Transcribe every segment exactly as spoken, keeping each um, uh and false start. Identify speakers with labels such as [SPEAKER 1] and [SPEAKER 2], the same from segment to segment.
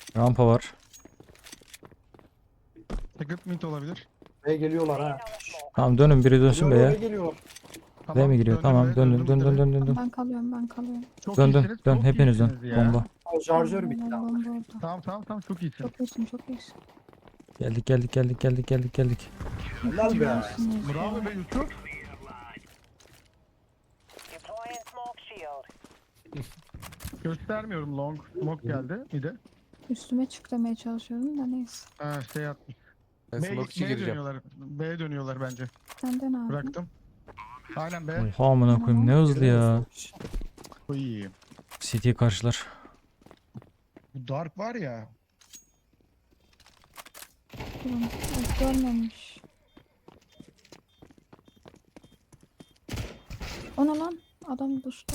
[SPEAKER 1] Rampa var.
[SPEAKER 2] Secret mid olabilir.
[SPEAKER 3] B'ye geliyorlar ha.
[SPEAKER 1] Tamam dönün, biri dönsün
[SPEAKER 3] Geliyorlar, B'ye
[SPEAKER 1] B'ye.
[SPEAKER 3] geliyorlar.
[SPEAKER 1] B mi giriyor?
[SPEAKER 2] döndüm
[SPEAKER 1] Tamam
[SPEAKER 2] be,
[SPEAKER 1] döndün,
[SPEAKER 2] döndüm
[SPEAKER 1] dön dön
[SPEAKER 2] be.
[SPEAKER 1] dön dön dön.
[SPEAKER 4] Ben kalıyorum ben kalıyorum.
[SPEAKER 2] Çok
[SPEAKER 1] Dön dön
[SPEAKER 2] iyisiniz.
[SPEAKER 1] dön,
[SPEAKER 2] çok
[SPEAKER 1] hepiniz dön.
[SPEAKER 2] iyisiniz ya.
[SPEAKER 1] Bomba.
[SPEAKER 3] O şarjör bitti
[SPEAKER 4] Bomba
[SPEAKER 3] ama.
[SPEAKER 4] orada.
[SPEAKER 2] Tamam tamam tamam çok iyisin.
[SPEAKER 4] Çok iyisin çok iyisin.
[SPEAKER 1] Geldik geldik geldik geldik geldik geldik.
[SPEAKER 3] Helal be.
[SPEAKER 4] Mükemmelsiniz ya.
[SPEAKER 2] Bravo be Yusuf.
[SPEAKER 5] Deploying smoke shield.
[SPEAKER 2] Göstermiyorum long. Smoke geldi bir de.
[SPEAKER 4] Üstüme çık demeye çalışıyordum da neyse.
[SPEAKER 2] Ha şey yapmış.
[SPEAKER 6] Ben
[SPEAKER 2] B,
[SPEAKER 6] smokeçi
[SPEAKER 2] B'ye
[SPEAKER 6] gireceğim.
[SPEAKER 2] dönüyorlar. B'ye dönüyorlar bence.
[SPEAKER 4] Senden abi.
[SPEAKER 2] Bıraktım. Aynen B.
[SPEAKER 1] Oha amına koyayım, ne hızlı ya.
[SPEAKER 2] Bu iyi.
[SPEAKER 1] City karşılar.
[SPEAKER 2] Bu Dark var ya.
[SPEAKER 4] Durun. Ay, görmemiş. Ona lan. Adam düştü.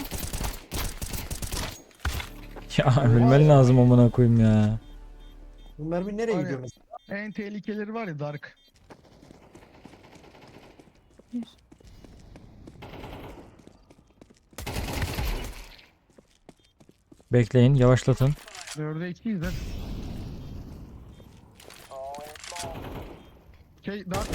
[SPEAKER 1] Ya ölmen lazım amına koyayım ya.
[SPEAKER 3] Bu mermi nereye
[SPEAKER 2] Var
[SPEAKER 3] gidiyor
[SPEAKER 2] ya.
[SPEAKER 3] mesela?
[SPEAKER 2] En tehlikeleri var ya Dark.
[SPEAKER 4] Bir.
[SPEAKER 1] Bekleyin, yavaşlatın.
[SPEAKER 2] Dörde ikiyiz de.
[SPEAKER 5] Throwing smoke.
[SPEAKER 2] Şey Dark.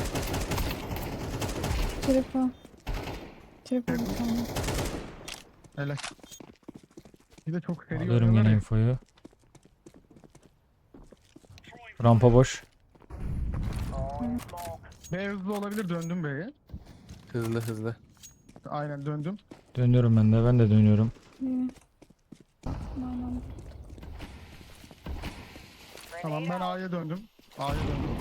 [SPEAKER 4] Triple. Triple bir tane.
[SPEAKER 2] Helal. Bir de çok seri
[SPEAKER 1] Alıyorum
[SPEAKER 2] oynuyorlar
[SPEAKER 1] yine
[SPEAKER 2] ya.
[SPEAKER 1] infoyu. Rampa boş.
[SPEAKER 5] Throwing smoke.
[SPEAKER 2] B hızlı olabilir, döndüm B'ye.
[SPEAKER 6] Hızlı hızlı.
[SPEAKER 2] Aynen döndüm.
[SPEAKER 1] Dönüyorum ben de, ben de dönüyorum.
[SPEAKER 4] İyi. Aynen.
[SPEAKER 2] Tamam ben A'ya döndüm. A'ya döndüm.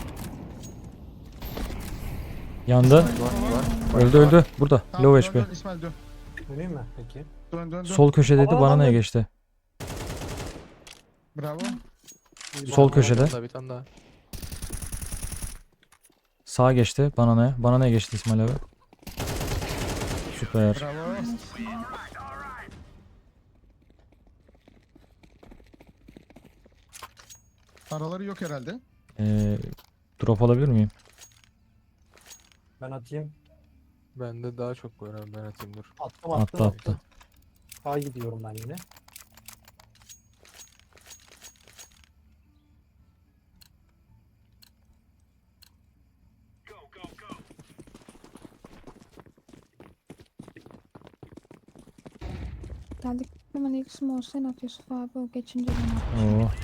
[SPEAKER 1] Yandı.
[SPEAKER 6] Var var.
[SPEAKER 1] Öldü öldü. Burada.
[SPEAKER 2] Tamam,
[SPEAKER 1] Low
[SPEAKER 2] dön,
[SPEAKER 1] H P.
[SPEAKER 2] dön, İsmail dön.
[SPEAKER 3] Döneyim mi? Peki.
[SPEAKER 2] Dön dön dön.
[SPEAKER 1] Sol köşedeydi,
[SPEAKER 3] Aa,
[SPEAKER 1] bana
[SPEAKER 3] ben
[SPEAKER 1] neye
[SPEAKER 3] de-
[SPEAKER 1] geçti?
[SPEAKER 2] Bravo.
[SPEAKER 1] Sol köşede.
[SPEAKER 6] Bir tane daha, bir tane daha.
[SPEAKER 1] Sağa geçti. Bana ne? Bana ne geçti İsmail abi? Süper.
[SPEAKER 2] Bravo. Araları yok herhalde.
[SPEAKER 1] Ee, drop alabilir miyim?
[SPEAKER 3] Ben atayım.
[SPEAKER 6] Bende daha çok var abi, ben atayım dur.
[SPEAKER 3] Attım
[SPEAKER 1] Attı
[SPEAKER 3] attım.
[SPEAKER 1] attı.
[SPEAKER 3] A gidiyorum ben yine.
[SPEAKER 4] Geldik. Hemen ilk small sen at Yusuf abi. O geçince ben at.
[SPEAKER 1] Oo.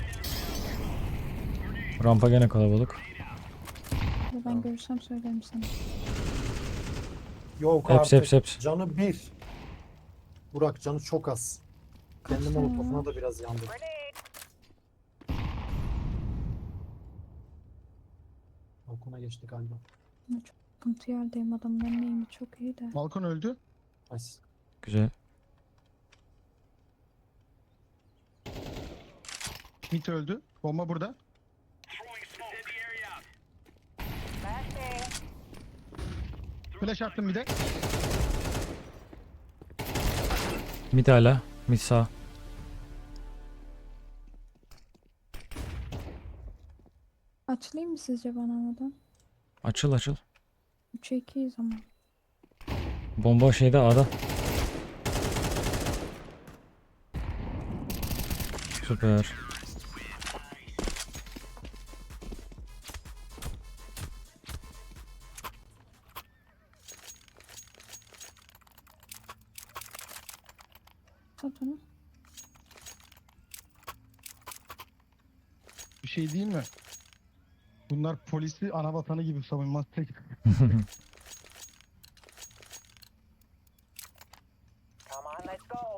[SPEAKER 1] Rampa gene kalabalık.
[SPEAKER 4] Ben görürsem söylerim sana.
[SPEAKER 3] Yok
[SPEAKER 1] Heps
[SPEAKER 3] artık.
[SPEAKER 1] heps heps.
[SPEAKER 3] Canı bir. Burak canı çok az. Kendi
[SPEAKER 4] Kaç tane
[SPEAKER 3] molotofuna
[SPEAKER 4] var?
[SPEAKER 3] da biraz yandı.
[SPEAKER 5] Grenade.
[SPEAKER 3] Balkona geçti galiba.
[SPEAKER 4] Ama çok sıkıntı yerdeyim adamların neyimi çok iyi de.
[SPEAKER 2] Balkon öldü.
[SPEAKER 3] Nice.
[SPEAKER 1] Güzel.
[SPEAKER 2] Mid öldü. Bomba burada.
[SPEAKER 5] Flashbang.
[SPEAKER 2] Flash attım bir de.
[SPEAKER 1] Mid hala. Mid sağ.
[SPEAKER 4] Açılayım mı sizce bana oradan?
[SPEAKER 1] Açıl açıl.
[SPEAKER 4] üçe ikiyiz ama.
[SPEAKER 1] Bomba şeyde A'da. Süper.
[SPEAKER 4] Sat onu.
[SPEAKER 2] Bir şey değil mi? Bunlar polisi ana vatanı gibi savunmaz tek.
[SPEAKER 5] Come on, let's go.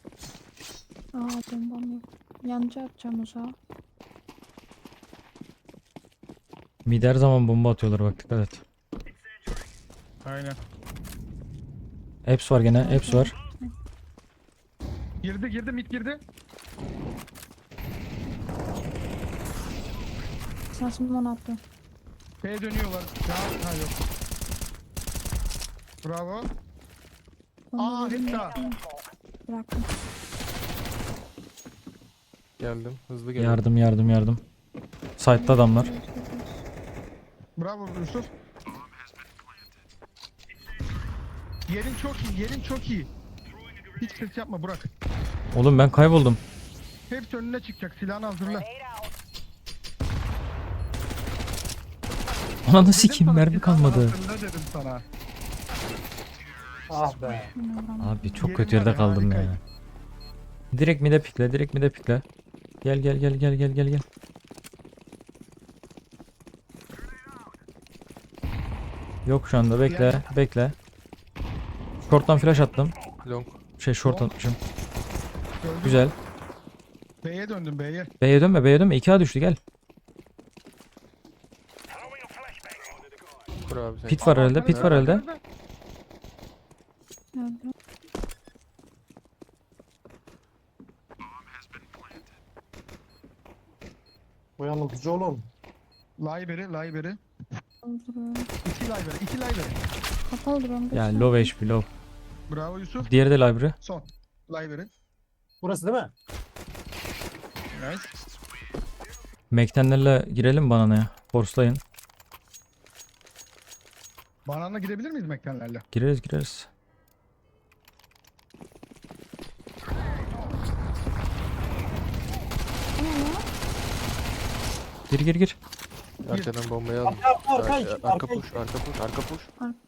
[SPEAKER 4] Aa bombam yok. Yancı atacağım uzağa.
[SPEAKER 1] Mid her zaman bomba atıyorlar, bak dikkat et.
[SPEAKER 2] Aynen.
[SPEAKER 1] Eps var gene. Eps var.
[SPEAKER 2] Girdi girdi mid girdi.
[SPEAKER 4] Sansım onu attı.
[SPEAKER 2] B'ye dönüyorlar. Ya, ha yok. Bravo.
[SPEAKER 4] Bomba
[SPEAKER 2] Aa
[SPEAKER 4] dedim
[SPEAKER 2] hep
[SPEAKER 4] ya.
[SPEAKER 2] daha.
[SPEAKER 4] Bıraktım.
[SPEAKER 6] Geldim. Hızlı geldim.
[SPEAKER 1] Yardım yardım yardım. Site'da adamlar.
[SPEAKER 2] Bravo Yusuf. Yerin çok iyi, yerin çok iyi. Hiç ses yapma Burak.
[SPEAKER 1] Oğlum ben kayboldum.
[SPEAKER 2] Hepsi önüne çıkacak. Silahını hazırla.
[SPEAKER 5] Grenade out.
[SPEAKER 1] Ananı
[SPEAKER 2] Dedim
[SPEAKER 1] sikeyim
[SPEAKER 2] sana,
[SPEAKER 1] mermi
[SPEAKER 2] git
[SPEAKER 1] kalmadı.
[SPEAKER 2] anahtarını dedim sana.
[SPEAKER 3] Ah be.
[SPEAKER 4] Yine vuramadım.
[SPEAKER 1] Abi çok
[SPEAKER 2] Yerim
[SPEAKER 1] kötü
[SPEAKER 2] var
[SPEAKER 1] yerde
[SPEAKER 2] ya,
[SPEAKER 1] kaldım ya.
[SPEAKER 2] harikaydı.
[SPEAKER 1] Direkt mide pikle, direkt mide pikle. Gel gel gel gel gel gel gel. Yok şu anda bekle, bekle. Short'tan flash attım.
[SPEAKER 6] Long.
[SPEAKER 1] Şey short
[SPEAKER 2] Long.
[SPEAKER 1] atmışım.
[SPEAKER 2] Gördüm.
[SPEAKER 1] Güzel.
[SPEAKER 2] B'ye döndüm B'ye.
[SPEAKER 1] B'ye dönme, B'ye dönme. iki A düştü gel.
[SPEAKER 6] Kur abi sen.
[SPEAKER 1] Pit var herhalde, pit var herhalde.
[SPEAKER 4] Öldüm.
[SPEAKER 3] Bu yanıltıcı oğlum.
[SPEAKER 2] Library, library.
[SPEAKER 4] Öldürüyorum.
[SPEAKER 2] İki library, iki library.
[SPEAKER 4] Kapalı duruyorum.
[SPEAKER 1] Ya
[SPEAKER 4] göster.
[SPEAKER 1] low H P low.
[SPEAKER 2] Bravo Yusuf.
[SPEAKER 1] Diğeri de library.
[SPEAKER 2] Son. Library.
[SPEAKER 3] Burası değil mi?
[SPEAKER 2] Nice.
[SPEAKER 1] Mektenlerle girelim bananaya. Force'layın.
[SPEAKER 2] Bananla girebilir miyiz mektenlerle?
[SPEAKER 1] Gireriz gireriz.
[SPEAKER 4] Bu ne ya?
[SPEAKER 1] Gir gir gir.
[SPEAKER 6] Arkadan bombayı al.
[SPEAKER 3] Arka arka
[SPEAKER 6] Arka,
[SPEAKER 3] arka.
[SPEAKER 6] arka push, arka push, arka push.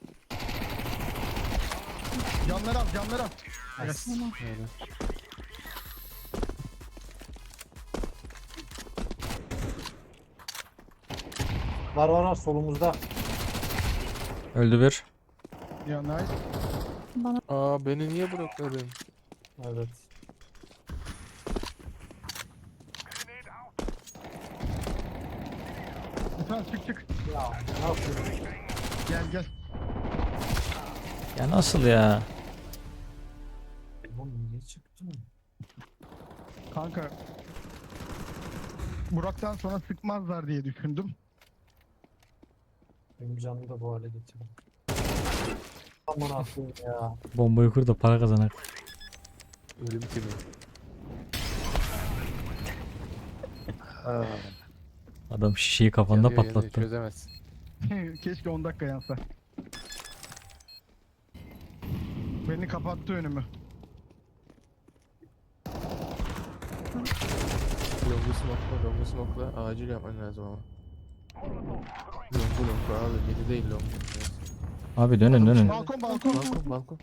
[SPEAKER 2] Camları al, camları al. Evet.
[SPEAKER 4] Tamam.
[SPEAKER 6] Öyle.
[SPEAKER 3] Var var var solumuzda.
[SPEAKER 1] Öldü bir.
[SPEAKER 2] Ya nice.
[SPEAKER 4] Bana
[SPEAKER 6] Aa beni niye blokladın?
[SPEAKER 3] Evet.
[SPEAKER 2] Lütfen çık çık.
[SPEAKER 3] Ya ne yapıyorsun?
[SPEAKER 2] Gel gel.
[SPEAKER 1] Ya nasıl ya?
[SPEAKER 3] Oğlum niye çıktın?
[SPEAKER 2] Kanka. Burak'tan sonra sıkmazlar diye düşündüm.
[SPEAKER 3] Benim canımı da bu hale getirdim. Aman aklım ya.
[SPEAKER 1] Bombayı kur da para kazanak.
[SPEAKER 6] Ölüm kimi?
[SPEAKER 3] Ha.
[SPEAKER 1] Adam şişeyi kafanda
[SPEAKER 6] Yanıyor, yanıyor,
[SPEAKER 1] patlattı.
[SPEAKER 6] çözemezsin.
[SPEAKER 2] Keşke on dakika yansa. Beni kapattı önümü.
[SPEAKER 6] Longu smoke'la, longu smoke'la. Acil yapman lazım ama. Longu longu abi, yedi değil longu. Neyse.
[SPEAKER 1] Abi dönün dönün.
[SPEAKER 2] Balkon balkon.
[SPEAKER 6] Balkon, balkon.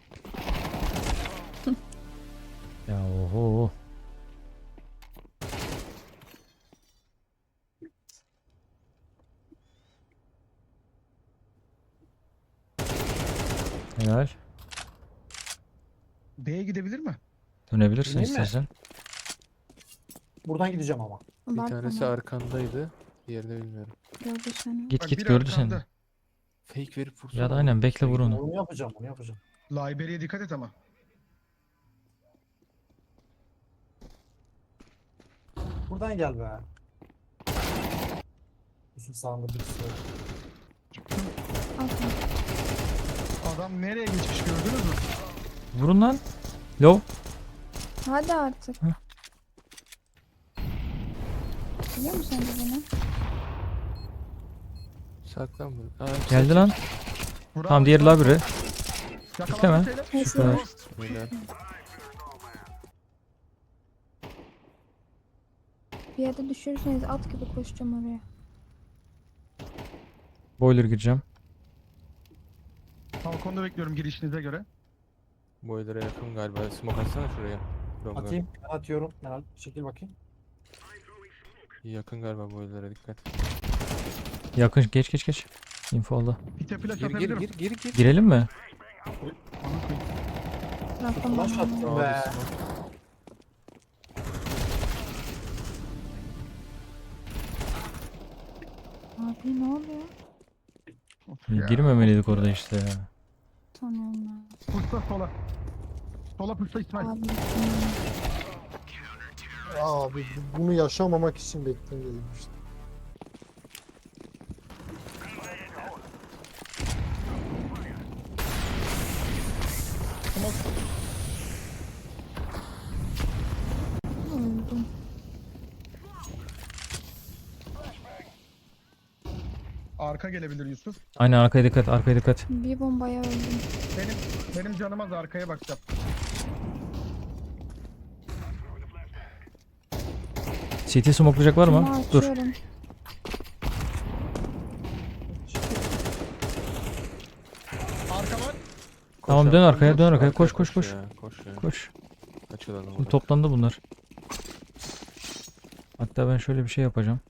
[SPEAKER 1] Ya oho. Helal.
[SPEAKER 2] B'ye gidebilir mi?
[SPEAKER 1] Dönebilirsin
[SPEAKER 3] Döneyim mi?
[SPEAKER 1] istersen.
[SPEAKER 3] Buradan gideceğim ama.
[SPEAKER 6] Bir
[SPEAKER 4] Bak
[SPEAKER 6] tanesi
[SPEAKER 4] bana.
[SPEAKER 6] arkandaydı. Diğerini bilmiyorum.
[SPEAKER 4] Gördü seni.
[SPEAKER 1] Git
[SPEAKER 2] Bak,
[SPEAKER 1] git
[SPEAKER 2] biri
[SPEAKER 1] gördü seni.
[SPEAKER 2] arkamda.
[SPEAKER 6] Fake verip vursana.
[SPEAKER 1] Ya da aynen bekle vur onu.
[SPEAKER 3] Onu yapacağım onu yapacağım.
[SPEAKER 2] Library'e dikkat et ama.
[SPEAKER 3] Buradan gel be. Yusuf sağında birisi var.
[SPEAKER 4] Atma.
[SPEAKER 2] Adam nereye geçmiş gördünüz mü?
[SPEAKER 1] Vurun lan. Low.
[SPEAKER 4] Hadi artık.
[SPEAKER 1] Hı.
[SPEAKER 4] Biliyor musun sen de beni?
[SPEAKER 6] Saklan bunu. Aa,
[SPEAKER 1] Geldi lan.
[SPEAKER 2] Bravo,
[SPEAKER 1] Tamam diğer
[SPEAKER 2] bravo.
[SPEAKER 1] library.
[SPEAKER 2] Yakalandı
[SPEAKER 1] Bekleme.
[SPEAKER 2] şeyler.
[SPEAKER 4] Neyse.
[SPEAKER 1] Süper.
[SPEAKER 6] Beyler.
[SPEAKER 4] Bir yerde düşürürseniz at gibi koşacağım oraya.
[SPEAKER 1] Boiler gireceğim.
[SPEAKER 2] Balkonda bekliyorum girişinize göre.
[SPEAKER 6] Boiler'a yakın galiba. Smoke atsana şuraya. Longa.
[SPEAKER 3] Atayım. Ben atıyorum. Meral çekil bakayım.
[SPEAKER 6] Yakın galiba boiler'a dikkat.
[SPEAKER 1] Yakın geç geç geç. Info aldı.
[SPEAKER 2] Pite flash
[SPEAKER 6] Gir gir
[SPEAKER 2] atabilirim.
[SPEAKER 6] gir gir gir.
[SPEAKER 1] Girelim mi?
[SPEAKER 4] Bıraktım
[SPEAKER 3] Flash
[SPEAKER 4] bana.
[SPEAKER 3] attım
[SPEAKER 6] Abi
[SPEAKER 3] be.
[SPEAKER 6] smoke.
[SPEAKER 4] Abi ne oluyor?
[SPEAKER 2] Of ya.
[SPEAKER 1] Girmemeliydik orada işte ya.
[SPEAKER 4] Tanıyorum ben.
[SPEAKER 2] Pırsa sola. Sola pırsa İsmail.
[SPEAKER 4] Abi. hmm.
[SPEAKER 3] Abi bunu yaşamamak için bekledim işte.
[SPEAKER 4] Öldüm.
[SPEAKER 2] Arka gelebilir Yusuf.
[SPEAKER 1] Aynen arkaya dikkat arkaya dikkat.
[SPEAKER 4] Bir bombaya öldüm.
[SPEAKER 2] Benim benim canım az arkaya bakacağım.
[SPEAKER 1] C T smokelayacak var mı?
[SPEAKER 4] Camı
[SPEAKER 1] Dur.
[SPEAKER 4] açıyorum.
[SPEAKER 1] Tamam,
[SPEAKER 6] Koş
[SPEAKER 1] dön
[SPEAKER 6] abi,
[SPEAKER 1] arkaya, dön arkaya. Koş, koş, koş.
[SPEAKER 6] ya, Koş ya.
[SPEAKER 1] Koş.
[SPEAKER 6] Açılalım
[SPEAKER 1] Şimdi
[SPEAKER 6] burada.
[SPEAKER 1] toplandı bunlar. Hatta ben şöyle bir şey yapacağım.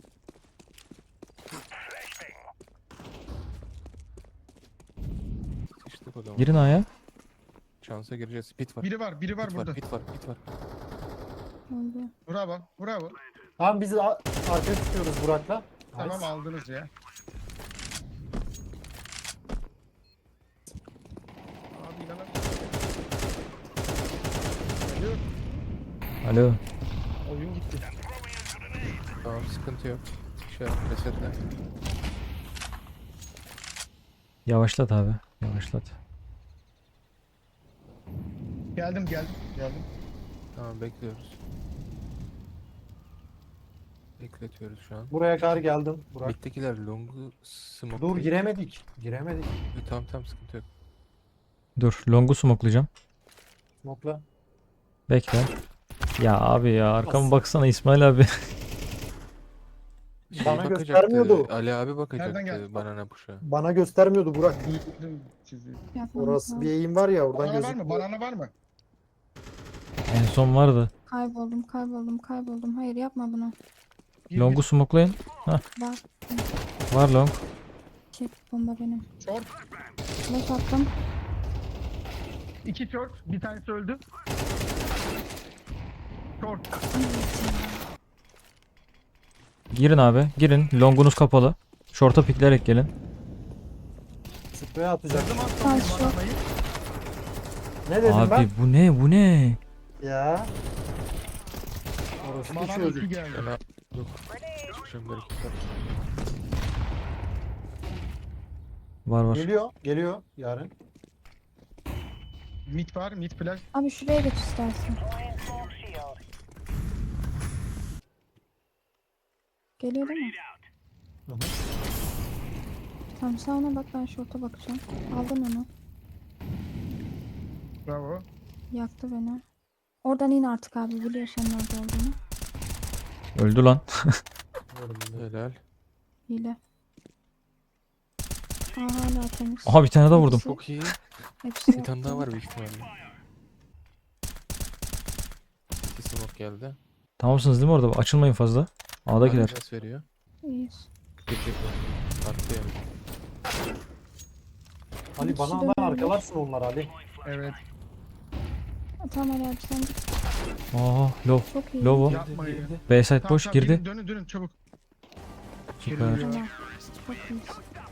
[SPEAKER 6] Sıkıştık o zaman.
[SPEAKER 1] Girin A'ya.
[SPEAKER 6] Şansa gireceğiz. Pit var.
[SPEAKER 2] Biri var, biri var
[SPEAKER 6] Pit
[SPEAKER 2] burada.
[SPEAKER 6] var, pit var, pit var.
[SPEAKER 4] Öldü.
[SPEAKER 2] Bravo, bravo.
[SPEAKER 3] Tamam biz a- arkaya tutuyoruz Burak'la.
[SPEAKER 2] Tamam
[SPEAKER 3] Nice.
[SPEAKER 2] aldınız ya. Abi inanamıyorum. Geliyor.
[SPEAKER 1] Alo.
[SPEAKER 2] Oyun gitti.
[SPEAKER 6] Tamam, sıkıntı yok. Şey yap, resetle.
[SPEAKER 1] Yavaşlat abi. Yavaşlat.
[SPEAKER 2] Geldim, geldim, geldim.
[SPEAKER 6] Tamam, bekliyoruz. Bekletiyoruz şu an.
[SPEAKER 3] Buraya kadar geldim Burak.
[SPEAKER 6] Mid'dekiler long'u smoke.
[SPEAKER 3] Dur giremedik. Giremedik.
[SPEAKER 6] Tamam tamam, sıkıntı yok.
[SPEAKER 1] Dur. Long'u smokelayacağım.
[SPEAKER 3] Smoke'la.
[SPEAKER 1] Bekle. Ya abi ya, arkama
[SPEAKER 3] Nasıl?
[SPEAKER 1] baksana İsmail abi.
[SPEAKER 6] Şey
[SPEAKER 3] Bana
[SPEAKER 6] bakacaktı,
[SPEAKER 3] göstermiyordu.
[SPEAKER 6] Ali abi
[SPEAKER 2] Nereden
[SPEAKER 6] bakacaktı
[SPEAKER 2] geldi?
[SPEAKER 6] banana puşa.
[SPEAKER 3] Bana göstermiyordu Burak.
[SPEAKER 2] Bildim sizi.
[SPEAKER 4] Yapmamız
[SPEAKER 3] Orası
[SPEAKER 4] lazım.
[SPEAKER 3] bir eğim var ya oradan
[SPEAKER 2] Banana var mı?
[SPEAKER 3] gözüküyor.
[SPEAKER 2] Banana var mı?
[SPEAKER 1] En son vardı.
[SPEAKER 4] Kayboldum, kayboldum, kayboldum. Hayır yapma bunu.
[SPEAKER 2] Bir-
[SPEAKER 1] Long'u
[SPEAKER 2] bir-
[SPEAKER 1] smokelayın.
[SPEAKER 4] Var.
[SPEAKER 1] Var long.
[SPEAKER 4] Şey, bomba benim.
[SPEAKER 2] Short.
[SPEAKER 4] Flash attım.
[SPEAKER 2] İki short. Bir tanesi öldü. Short.
[SPEAKER 1] Girin abi. Girin. Long'unuz kapalı. Short'a pikleyerek gelin.
[SPEAKER 3] Sprey atacak.
[SPEAKER 2] Kırdım az
[SPEAKER 4] Tamam,
[SPEAKER 2] sonra
[SPEAKER 4] short.
[SPEAKER 2] bananayı.
[SPEAKER 3] Ne dedim
[SPEAKER 1] Abi
[SPEAKER 3] ben?
[SPEAKER 1] bu ne? Bu ne?
[SPEAKER 3] Ya. Orası bir
[SPEAKER 2] Banana
[SPEAKER 3] çocuk.
[SPEAKER 2] iki geldi.
[SPEAKER 6] Fena yok. Çıkacağım bir iki dakika.
[SPEAKER 1] Var var.
[SPEAKER 3] Geliyor. Geliyor yarın.
[SPEAKER 2] Mid var, mid flash.
[SPEAKER 4] Abi şuraya geç istersen.
[SPEAKER 5] Deploying smoke shield.
[SPEAKER 4] Geliyor değil mi?
[SPEAKER 3] Hı hı.
[SPEAKER 4] Tamam sen ona bak, ben şorta bakacağım. Aldın onu.
[SPEAKER 2] Bravo.
[SPEAKER 4] Yaktı beni. Oradan in artık abi, biliyor senin orada olduğunu.
[SPEAKER 1] Öldü lan.
[SPEAKER 6] Helal.
[SPEAKER 4] Hile. Aa hala temiz.
[SPEAKER 1] Aha, bir tane daha vurdum.
[SPEAKER 4] Hepsi-
[SPEAKER 6] Çok iyi.
[SPEAKER 4] Hepsi
[SPEAKER 6] Bir tane
[SPEAKER 4] yaktı.
[SPEAKER 6] daha var büyük ihtimalle. İki smoke geldi.
[SPEAKER 1] Tamamsınız değil mi orada? Açılmayın fazla. A'dakiler.
[SPEAKER 6] Adres veriyor.
[SPEAKER 4] İyiyiz.
[SPEAKER 6] Girecek mi? Attı yani.
[SPEAKER 3] Ali
[SPEAKER 4] Hepsi
[SPEAKER 3] bana
[SPEAKER 4] dönüyor.
[SPEAKER 3] hemen arkalarsın onlar Ali.
[SPEAKER 2] Evet.
[SPEAKER 4] Aa, tamam Ali abi sen git.
[SPEAKER 1] Aha, low.
[SPEAKER 4] Çok iyi.
[SPEAKER 1] Low o.
[SPEAKER 2] Yapmayın.
[SPEAKER 1] B side
[SPEAKER 2] Tamam,
[SPEAKER 1] boş
[SPEAKER 2] tamam,
[SPEAKER 1] girdi.
[SPEAKER 2] girin, Dönün dönün çabuk.
[SPEAKER 1] Süper.
[SPEAKER 2] Geliyor.
[SPEAKER 4] Helal. Çok iyiyiz.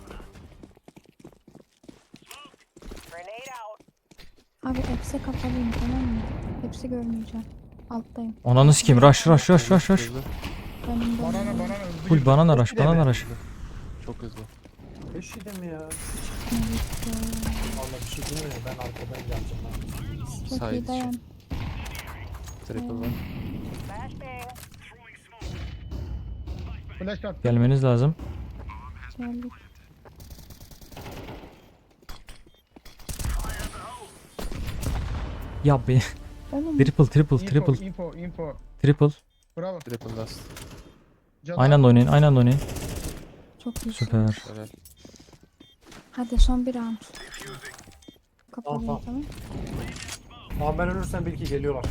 [SPEAKER 5] Grenade out.
[SPEAKER 4] Abi hepsi kapalıyım, tamam mı? Hepsi görmeyeceğim. Alttayım.
[SPEAKER 1] Ananı sikeyim. Rush rush rush rush rush.
[SPEAKER 6] Hızlı,
[SPEAKER 4] Benim de
[SPEAKER 2] Banana
[SPEAKER 4] öyle.
[SPEAKER 2] banana hızlı
[SPEAKER 1] Full
[SPEAKER 2] girdi.
[SPEAKER 1] banana rush,
[SPEAKER 3] Bir de
[SPEAKER 1] banana
[SPEAKER 3] mi?
[SPEAKER 1] rush.
[SPEAKER 6] Çok hızlı.
[SPEAKER 3] Beş yedi mi ya?
[SPEAKER 4] Evet,
[SPEAKER 3] Vallahi bir şey demiyorum ben arkadan geleceğim. Ben.
[SPEAKER 4] Çok
[SPEAKER 6] Side
[SPEAKER 4] iyi dayan.
[SPEAKER 6] Triple var.
[SPEAKER 5] Flashbang.
[SPEAKER 2] Flash attı.
[SPEAKER 1] Gelmeniz lazım.
[SPEAKER 4] Geldik.
[SPEAKER 1] Ya be.
[SPEAKER 4] Oğlum
[SPEAKER 1] Triple triple
[SPEAKER 2] Info,
[SPEAKER 1] triple
[SPEAKER 2] info, info.
[SPEAKER 1] triple.
[SPEAKER 2] Bravo.
[SPEAKER 6] Triple last.
[SPEAKER 2] Canım.
[SPEAKER 1] Aynı anda oynayın. Aynı anda oynayın.
[SPEAKER 4] çok iyi.
[SPEAKER 1] Süper.
[SPEAKER 6] Helal.
[SPEAKER 4] Hadi son bir round. Kapalıyım,
[SPEAKER 3] Tamam,
[SPEAKER 4] tamam.
[SPEAKER 3] Ama ben ölürsem bil ki geliyorlar.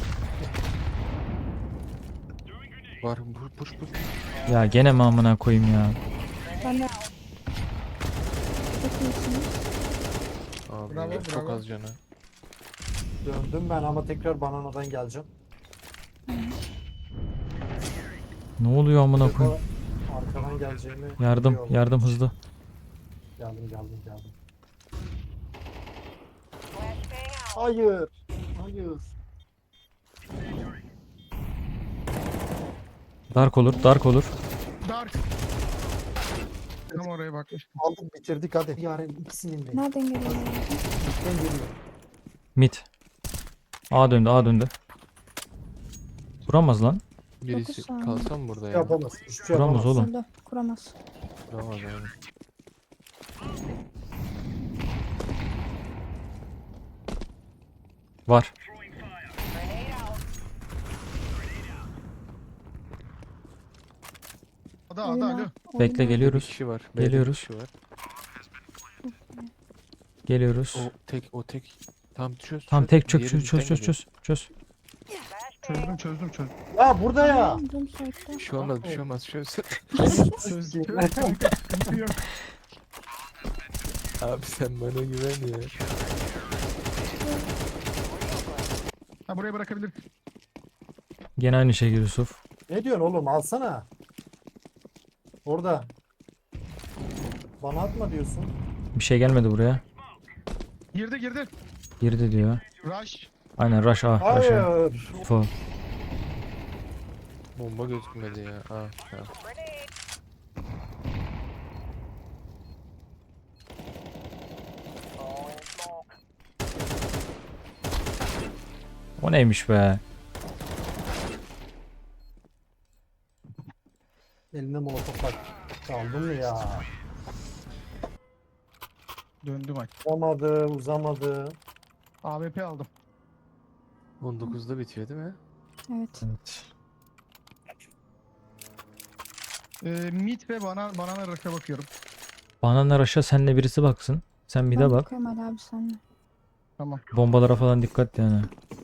[SPEAKER 6] Var. Push push push.
[SPEAKER 1] Ya gene mi amına koyayım ya.
[SPEAKER 4] Ben de... Çok iyisiniz.
[SPEAKER 6] Abi
[SPEAKER 2] Bravo,
[SPEAKER 6] çok
[SPEAKER 2] bravo.
[SPEAKER 6] az canı.
[SPEAKER 3] Döndüm ben ama tekrar bananadan geleceğim.
[SPEAKER 1] Ne oluyor amına koyayım?
[SPEAKER 3] Arkadan geleceğimi
[SPEAKER 1] Yardım,
[SPEAKER 3] biliyorum.
[SPEAKER 1] yardım hızlı.
[SPEAKER 3] Geldim geldim geldim.
[SPEAKER 5] Flashbang out.
[SPEAKER 3] Hayır. Hayır.
[SPEAKER 1] Dark olur, dark olur.
[SPEAKER 2] Dark. Tam oraya bakmıştım.
[SPEAKER 3] Aldık bitirdik hadi. Yarın ikisinin de.
[SPEAKER 4] Nereden geliyorlar? abi?
[SPEAKER 3] Üstten geliyor.
[SPEAKER 1] Mid. A döndü, A döndü. Vuramaz lan.
[SPEAKER 6] Birisi
[SPEAKER 4] saniye.
[SPEAKER 6] kalsam burada ya.
[SPEAKER 3] Yapamaz. Hiçbir şey
[SPEAKER 1] Kuramaz
[SPEAKER 3] yapamaz.
[SPEAKER 1] oğlum.
[SPEAKER 4] Öldü. Kuramaz.
[SPEAKER 6] Kuramaz yani.
[SPEAKER 1] Var.
[SPEAKER 5] Grenade out.
[SPEAKER 2] Ada ada alo.
[SPEAKER 4] Oyna, oyna.
[SPEAKER 1] Bekle,
[SPEAKER 6] Bir
[SPEAKER 1] geliyoruz.
[SPEAKER 6] kişi var. B'de bir
[SPEAKER 1] Geliyoruz.
[SPEAKER 6] kişi var.
[SPEAKER 1] Geliyoruz.
[SPEAKER 6] O tek o tek. Tam çöz.
[SPEAKER 1] Tamam
[SPEAKER 6] çöz.
[SPEAKER 1] tek çök
[SPEAKER 6] Diğeri
[SPEAKER 1] çöz çöz
[SPEAKER 6] bizden
[SPEAKER 1] çöz
[SPEAKER 6] geliyor.
[SPEAKER 1] çöz çöz.
[SPEAKER 2] Çözdüm çözdüm çözdüm.
[SPEAKER 3] Ya burada ya.
[SPEAKER 4] Tamam, dön site'de.
[SPEAKER 6] Bir şey olmaz bir şey olmaz çöz.
[SPEAKER 2] Çözdüm çözdüm. Sıkıntı yok.
[SPEAKER 6] Abi sen bana güven ya.
[SPEAKER 2] Ha buraya bırakabilir.
[SPEAKER 1] Gene aynı şey Yusuf.
[SPEAKER 3] Ne diyorsun oğlum, alsana. Orada. Bana atma diyorsun.
[SPEAKER 1] Bir şey gelmedi buraya.
[SPEAKER 2] Girdi girdi.
[SPEAKER 1] Girdi diyor.
[SPEAKER 2] Rush.
[SPEAKER 1] Aynen rush A. Rush A.
[SPEAKER 3] Hayır.
[SPEAKER 1] Full.
[SPEAKER 6] Bomba gözükmedi ya. Aa, tamam.
[SPEAKER 5] Grenade. Throwing smoke.
[SPEAKER 1] O neymiş be?
[SPEAKER 3] Eline molotof bak. Çaldın mı ya?
[SPEAKER 2] Döndü maç.
[SPEAKER 3] Uzamadı, uzamadı.
[SPEAKER 2] A W P aldım.
[SPEAKER 6] on dokuzda bitiyor değil mi?
[SPEAKER 4] Evet.
[SPEAKER 1] Evet.
[SPEAKER 2] Ee, mid ve bana banana rush'a bakıyorum.
[SPEAKER 1] Banana rush'a senle birisi baksın. Sen bir de
[SPEAKER 4] Ben
[SPEAKER 1] bak.
[SPEAKER 4] bakıyorum Ali abi seninle.
[SPEAKER 2] Tamam.
[SPEAKER 1] Bombalara falan dikkat yani.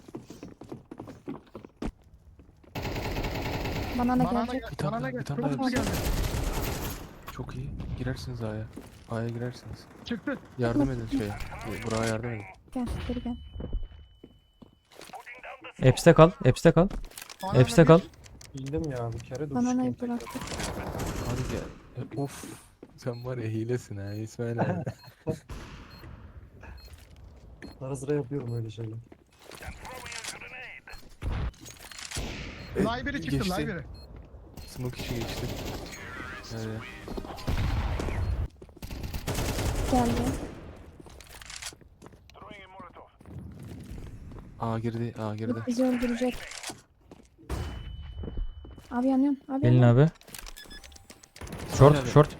[SPEAKER 4] Bana ne
[SPEAKER 2] Banana
[SPEAKER 4] gelecek?
[SPEAKER 2] gel.
[SPEAKER 6] Bir tane
[SPEAKER 2] Banana
[SPEAKER 6] daha,
[SPEAKER 2] gel.
[SPEAKER 6] bir tane
[SPEAKER 2] Çok
[SPEAKER 6] daha
[SPEAKER 2] hızlı geldi.
[SPEAKER 6] Çok iyi. Girersiniz A'ya. A'ya girersiniz.
[SPEAKER 2] Çıktı.
[SPEAKER 6] Yardım edin şeye. Burak'a yardım edin.
[SPEAKER 4] Gel geri gel.
[SPEAKER 1] Apps'te kal. Apps'te kal.
[SPEAKER 2] Banana
[SPEAKER 1] Apps'te
[SPEAKER 2] bir-
[SPEAKER 1] kal.
[SPEAKER 3] Bildim ya, bir kere dur.
[SPEAKER 4] Bananayı bıraktık.
[SPEAKER 6] Hadi gel. E, Of. Sen var ya hilesin ha İsmail abi.
[SPEAKER 3] Ara sıra yapıyorum öyle şeyler.
[SPEAKER 2] Library çıktı
[SPEAKER 6] Geçti.
[SPEAKER 2] library.
[SPEAKER 6] Smoke işi geçti. Evet.
[SPEAKER 4] Geldi.
[SPEAKER 6] A girdi. A girdi.
[SPEAKER 4] Bizi öldürecek. Abi yanıyorsun. Abi
[SPEAKER 1] Gelin
[SPEAKER 4] yanıyorsun.
[SPEAKER 1] abi. Short
[SPEAKER 6] abi.
[SPEAKER 1] short.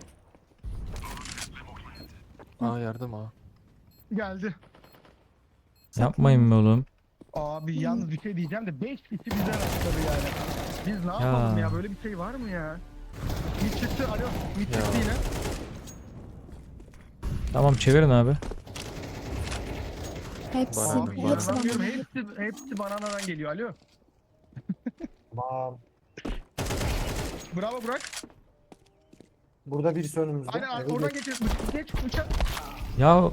[SPEAKER 6] A yardım A.
[SPEAKER 2] Geldi.
[SPEAKER 1] Yapmayın be oğlum.
[SPEAKER 2] Abi yalnız bir şey diyeceğim de beş kişi bize rastladı yani. Biz ne yapalım ya, böyle bir şey var mı ya? Mid çıktı, alo. Mid
[SPEAKER 6] Ya.
[SPEAKER 2] çıktı yine.
[SPEAKER 1] Tamam çevirin abi.
[SPEAKER 4] Hepsi.
[SPEAKER 6] Bana-
[SPEAKER 2] Abi
[SPEAKER 6] bana-
[SPEAKER 4] Hepsi
[SPEAKER 2] inanamıyorum,
[SPEAKER 4] bana.
[SPEAKER 2] hepsi, hepsi bananadan geliyor, alo.
[SPEAKER 3] Tamam.
[SPEAKER 2] Bravo Burak.
[SPEAKER 3] Burada birisi önümüzde.
[SPEAKER 2] Aynen
[SPEAKER 3] Evet,
[SPEAKER 2] oradan geçiyor. Geç uçak.
[SPEAKER 1] Ya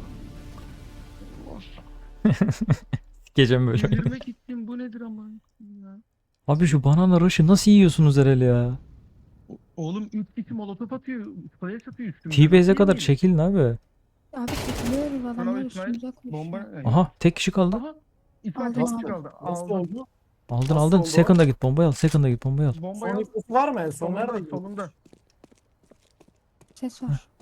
[SPEAKER 1] gecem böyle.
[SPEAKER 2] Yürümek gittim, bu nedir ama ya.
[SPEAKER 1] Abi şu banana rush'ı nasıl yiyorsunuz herhalde ya?
[SPEAKER 2] O- Oğlum üç kişi molotof atıyor, flash atıyor üstümüze.
[SPEAKER 1] T-base'e
[SPEAKER 2] Nasıl
[SPEAKER 1] kadar
[SPEAKER 2] yemeyeyim?
[SPEAKER 1] çekilin abi.
[SPEAKER 4] Abi çekiliyoruz adamlar
[SPEAKER 2] İsmail,
[SPEAKER 4] üstümüze koşuyor.
[SPEAKER 2] Bomba.
[SPEAKER 1] Aha tek kişi kaldı.
[SPEAKER 2] Aha. İsmail
[SPEAKER 4] Aldım,
[SPEAKER 2] tek kişi
[SPEAKER 4] aldım.
[SPEAKER 2] kaldı.
[SPEAKER 3] Nasıl
[SPEAKER 2] Aldım.
[SPEAKER 3] oldu?
[SPEAKER 1] Aldın
[SPEAKER 3] Nasıl
[SPEAKER 1] aldın.
[SPEAKER 3] oldu o?
[SPEAKER 1] Second'a git bombayı al. Second'a git bombayı al.
[SPEAKER 2] Bomba
[SPEAKER 3] Son
[SPEAKER 2] yok.
[SPEAKER 3] ipucu var mı? En son
[SPEAKER 2] Solunda,
[SPEAKER 3] nerede?
[SPEAKER 2] solunda.
[SPEAKER 4] Ses var.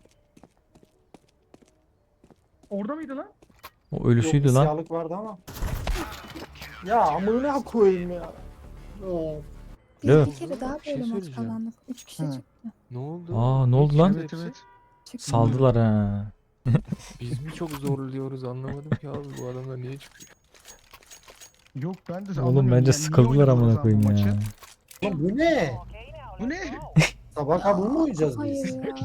[SPEAKER 2] Orada mıydı lan?
[SPEAKER 1] O
[SPEAKER 3] Yok,
[SPEAKER 1] ölüsüydü
[SPEAKER 3] bir
[SPEAKER 1] lan.
[SPEAKER 3] siyahlık vardı ama. Ya amına koyayım ya. Of.
[SPEAKER 4] Biz
[SPEAKER 1] Yok.
[SPEAKER 4] bir kere daha
[SPEAKER 6] Bir şey
[SPEAKER 4] böyle maç
[SPEAKER 6] söyleyeceğim.
[SPEAKER 4] kazandık. Üç kişi
[SPEAKER 2] Hı.
[SPEAKER 4] çıktı.
[SPEAKER 6] Ne oldu?
[SPEAKER 1] Aa ne oldu lan?
[SPEAKER 2] Evet evet.
[SPEAKER 4] Çıktı.
[SPEAKER 1] Saldılar ha.
[SPEAKER 6] Biz mi çok zorluyoruz anlamadım ki abi bu adamlar niye çıkıyor?
[SPEAKER 2] Yok ben de
[SPEAKER 1] Oğlum
[SPEAKER 2] anlamıyorum
[SPEAKER 1] bence
[SPEAKER 2] yani. Niye
[SPEAKER 1] sıkıldılar
[SPEAKER 2] oynadınız
[SPEAKER 1] amına
[SPEAKER 2] abi bu
[SPEAKER 1] koyayım
[SPEAKER 2] maçı?
[SPEAKER 1] ya.
[SPEAKER 3] Lan bu ne?
[SPEAKER 5] Okay now,
[SPEAKER 2] Bu
[SPEAKER 5] let's
[SPEAKER 2] ne?
[SPEAKER 5] go.
[SPEAKER 3] Sabah kabuğu mu oynayacağız
[SPEAKER 4] Hayır
[SPEAKER 3] biz?
[SPEAKER 4] ya.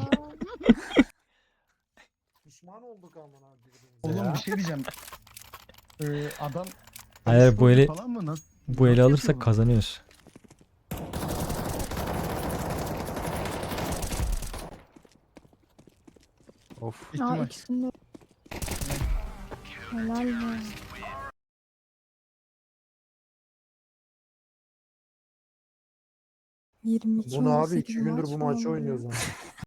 [SPEAKER 3] Pişman olduk amına birbirimize
[SPEAKER 2] Oğlum
[SPEAKER 3] ya.
[SPEAKER 2] bir şey diyeceğim. Ee, adam
[SPEAKER 1] Hayır, bu
[SPEAKER 2] e-sporcu
[SPEAKER 1] eli-
[SPEAKER 2] falan mı? Nasıl?
[SPEAKER 1] Bu eli
[SPEAKER 2] Nasıl
[SPEAKER 1] alırsak
[SPEAKER 2] yapıyor bunu?
[SPEAKER 1] kazanıyoruz.
[SPEAKER 6] Of.
[SPEAKER 4] Aa
[SPEAKER 2] İhtimal.
[SPEAKER 4] ikisinde. Helal be. yirmi iki
[SPEAKER 3] Bu ne abi?
[SPEAKER 4] on sekiz
[SPEAKER 3] İki gündür
[SPEAKER 4] maç
[SPEAKER 3] bu
[SPEAKER 4] mı
[SPEAKER 3] maçı
[SPEAKER 4] oldu ya?
[SPEAKER 3] oynuyoruz ama.